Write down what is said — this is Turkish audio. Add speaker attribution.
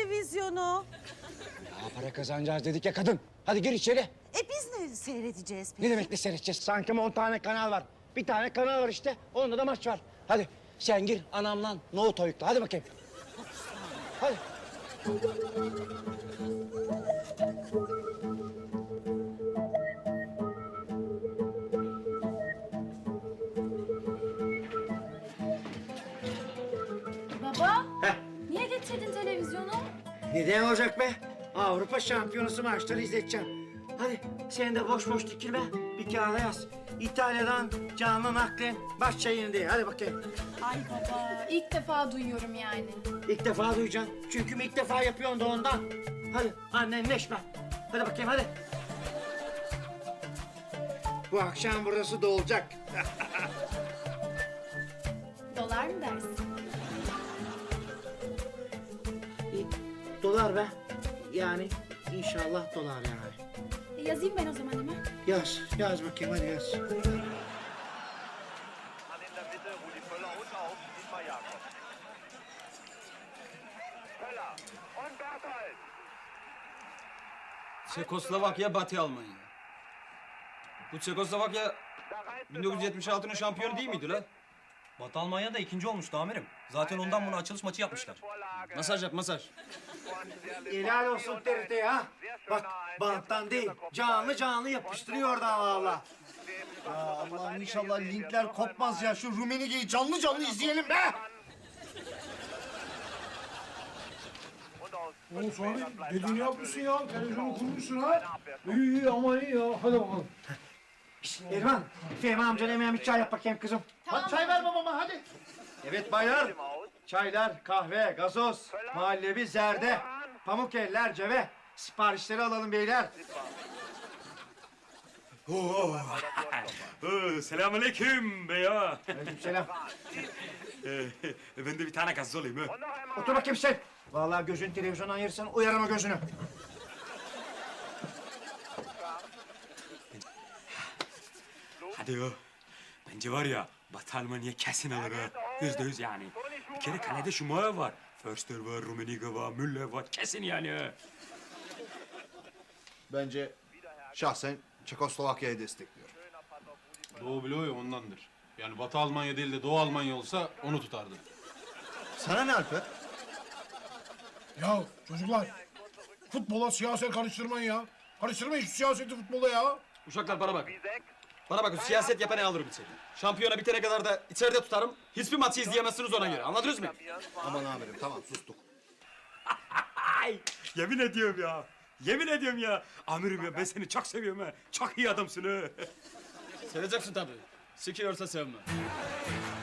Speaker 1: televizyonu.
Speaker 2: Ya para kazanacağız dedik ya kadın. Hadi gir içeri.
Speaker 1: Biz ne seyredeceğiz peki?
Speaker 2: Ne demek ne seyredeceğiz? Sanki 10 tane kanal var. Bir tane kanal var işte. Onda da maç var. Hadi sen gir anamla nohut oyukla. Hadi bakayım. Hadi.
Speaker 3: Baba,
Speaker 2: Heh.
Speaker 3: niye getirdin televizyonu?
Speaker 2: Neden olacak be? Avrupa Şampiyonası maçları izleteceğim. Hadi sen de boş boş dikilme. Bir kağıda yaz. İtalya'dan canlı naklen baş çayını diye. Hadi bakayım.
Speaker 3: Ay baba, ilk defa duyuyorum yani.
Speaker 2: İlk defa duyacaksın. Çünkü ilk defa yapıyorsun da ondan. Hadi annenleşme. Hadi bakayım hadi. Bu akşam burası dolacak.
Speaker 3: Dolar mı dersin?
Speaker 2: Dolar be. Yani inşallah dolar yani.
Speaker 3: Yazayım ben o zaman hemen.
Speaker 2: Yaz, yaz bakayım hadi yaz.
Speaker 4: An in der Mitte Rudi Völler und auf Dietmar Jakob. Völler und Berthold.
Speaker 5: Çekoslovakya, Batı Almanya. Bu Çekoslovakya
Speaker 4: Da reißt es
Speaker 5: 1976'nın şampiyonu değil miydi la?
Speaker 6: Batı Almanya da ikinci olmuştu amirim. Zaten ondan bunu açılış maçı yapmışlar.
Speaker 4: Vorlage.
Speaker 5: Masaj yap, masaj.
Speaker 2: Helal olsun TRT ha. Bak banttan değil, canlı canlı yapıştırıyor da valla.
Speaker 7: Allah'ım inşallah linkler kopmaz ya. Şu Rumenige'yi canlı canlı izleyelim be.
Speaker 4: Und aus
Speaker 8: Oğlum sonra dediğini yapmışsın ya. Televizyonu kurmuşsun ha. İyi ama iyi ya. Hadi bakalım.
Speaker 2: Erman, Fehmi amcana hemen bir çay yap bakayım kızım.
Speaker 7: Hadi çay ver babama hadi.
Speaker 2: Evet baylar.
Speaker 4: dem Aus.
Speaker 2: Çaylar, kahve, gazoz, muhallebi, zerde, pamuk eller, ceve. Siparişleri alalım beyler.
Speaker 9: Selamünaleyküm be ya.
Speaker 2: Aleykümselam.
Speaker 9: Ben de bir tane gazoz olayım ha.
Speaker 4: Und noch einmal.
Speaker 2: Otur bakayım sen. Vallahi gözün televizyondan ayırsan uyarım o gözünü.
Speaker 9: Hadi ya. Bence var ya Batı Almanya kesin alır ha. %100 yani. Bir kere kalede Şumayev var. Förster var, Rummenigge var, Müller var. Kesin yani ha.
Speaker 7: Bence şahsen Çekoslovakya'yı destekliyorum.
Speaker 8: Doğu bloğu ya ondandır. Yani Batı Almanya değil de Doğu Almanya olsa onu tutardı.
Speaker 7: Sana ne Alper?
Speaker 8: Ya çocuklar futbola siyaset karıştırmayın ya. Karıştırmayın şu siyaseti futbola ya.
Speaker 5: Uşaklar bana bak.
Speaker 4: Wiesek.
Speaker 5: Bana bakın siyaset yapanı alırım içeri. Şampiyona bitene kadar da içeride tutarım. Hiçbir maçı izleyemezsiniz ona göre. Anladınız mı?
Speaker 7: Aman amirim tamam sustuk.
Speaker 9: Ay, yemin ediyorum ya. Yemin ediyorum ya. Amirim ya ben seni çok seviyorum ha. Çok iyi adamsın ha.
Speaker 5: Seveceksin tabii. Sikiyorsa sevme.